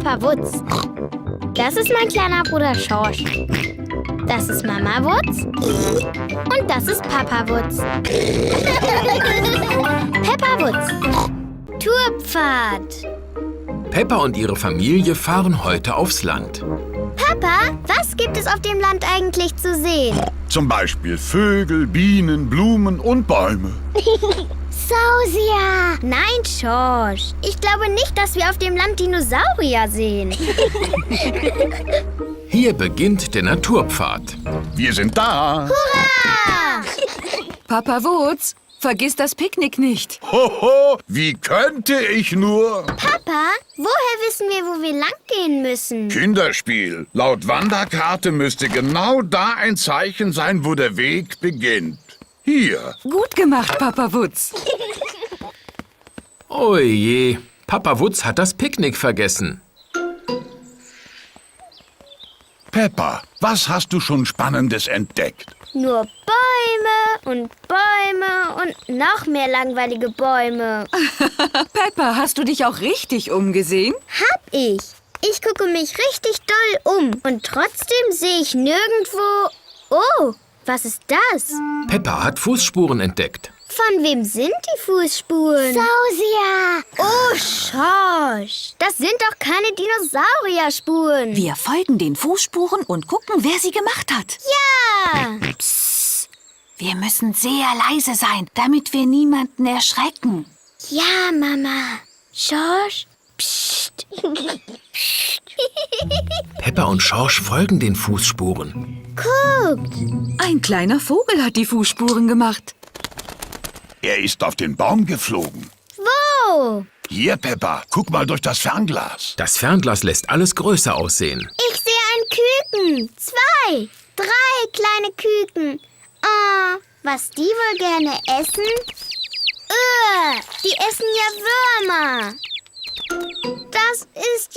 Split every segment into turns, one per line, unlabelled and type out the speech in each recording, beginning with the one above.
Papa Wutz. Das ist mein kleiner Bruder Schorsch. Das ist Mama Wutz. Und das ist Papa Wutz. Peppa Wutz. Tourpfad.
Peppa und ihre Familie fahren heute aufs Land.
Papa, was gibt es auf dem Land eigentlich zu sehen?
Zum Beispiel Vögel, Bienen, Blumen und Bäume.
Sausia! Nein, Schorsch. Ich glaube nicht, dass wir auf dem Land Dinosaurier sehen.
Hier beginnt der Naturpfad.
Wir sind da.
Hurra!
Papa Wutz, vergiss das Picknick nicht.
Hoho, wie könnte ich nur?
Papa, woher wissen wir, wo wir lang gehen müssen?
Kinderspiel. Laut Wanderkarte müsste genau da ein Zeichen sein, wo der Weg beginnt. Hier.
Gut gemacht, Papa Wutz.
Oje, Papa Wutz hat das Picknick vergessen.
Peppa, was hast du schon Spannendes entdeckt?
Nur Bäume und Bäume und noch mehr langweilige Bäume.
Peppa, hast du dich auch richtig umgesehen?
Hab ich. Ich gucke mich richtig doll um und trotzdem sehe ich nirgendwo... Oh, was ist das?
Peppa hat Fußspuren entdeckt.
Von wem sind die Fußspuren? Sausia! Oh, Schorsch! Das sind doch keine Dinosaurierspuren.
Wir folgen den Fußspuren und gucken, wer sie gemacht hat.
Ja!
Wir müssen sehr leise sein, damit wir niemanden erschrecken.
Ja, Mama. Schorsch? Psst.
Peppa und Schorsch folgen den Fußspuren.
Guckt!
Ein kleiner Vogel hat die Fußspuren gemacht.
Er ist auf den Baum geflogen.
Wo?
Hier, Peppa, guck mal durch das Fernglas.
Das Fernglas lässt alles größer aussehen.
Ich sehe ein Küken. 2, 3 kleine Küken. Oh, was die wohl gerne essen? Die essen ja Würmer. Das ist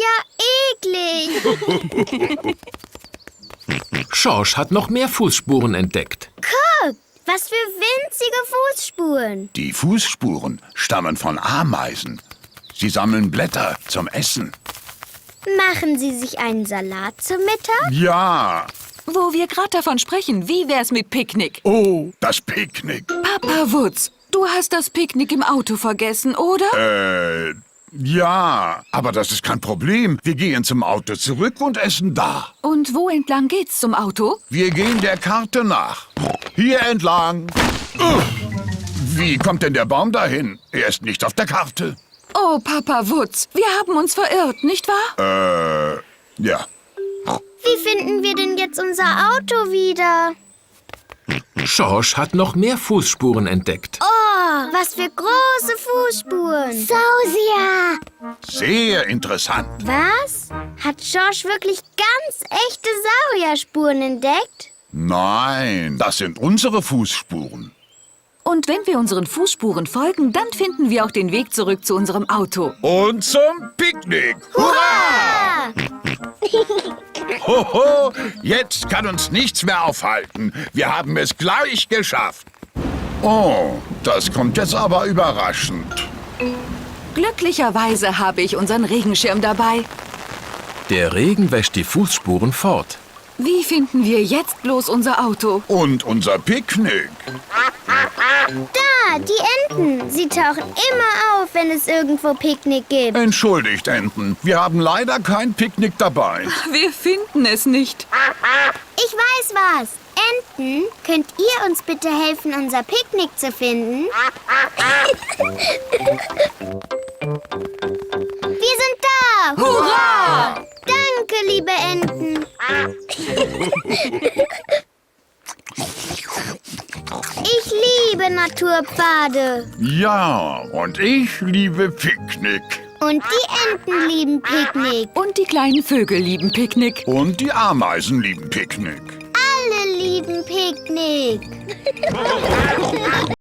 ja eklig.
Schorsch hat noch mehr Fußspuren entdeckt.
Guck, was für winzige Fußspuren.
Die Fußspuren stammen von Ameisen. Sie sammeln Blätter zum Essen.
Machen Sie sich einen Salat zum Mittag?
Ja.
Wo wir gerade davon sprechen, wie wär's mit Picknick?
Oh, das Picknick.
Papa Wutz, du hast das Picknick im Auto vergessen, oder?
Ja, aber das ist kein Problem. Wir gehen zum Auto zurück und essen da.
Und wo entlang geht's zum Auto?
Wir gehen der Karte nach. Hier entlang. Wie kommt denn der Baum dahin? Er ist nicht auf der Karte.
Oh, Papa Wutz, wir haben uns verirrt, nicht wahr?
Ja.
Wie finden wir denn jetzt unser Auto wieder?
Schorsch hat noch mehr Fußspuren entdeckt.
Oh, was für große Fußspuren. Sausia!
Sehr interessant.
Was? Hat Schorsch wirklich ganz echte Saurierspuren entdeckt?
Nein, das sind unsere Fußspuren.
Und wenn wir unseren Fußspuren folgen, dann finden wir auch den Weg zurück zu unserem Auto.
Und zum Picknick.
Hurra!
Hoho, jetzt kann uns nichts mehr aufhalten. Wir haben es gleich geschafft. Oh, das kommt jetzt aber überraschend.
Glücklicherweise habe ich unseren Regenschirm dabei.
Der Regen wäscht die Fußspuren fort.
Wie finden wir jetzt bloß unser Auto?
Und unser Picknick.
Da, die Enten. Sie tauchen immer auf, wenn es irgendwo Picknick gibt.
Entschuldigt, Enten. Wir haben leider kein Picknick dabei.
Wir finden es nicht.
Ich weiß was. Enten, könnt ihr uns bitte helfen, unser Picknick zu finden? Wir sind da!
Hurra!
Danke, liebe Enten. Ich liebe Naturpfade.
Ja, und ich liebe Picknick.
Und die Enten lieben Picknick.
Und die kleinen Vögel lieben Picknick.
Und die Ameisen lieben Picknick.
Alle lieben Picknick.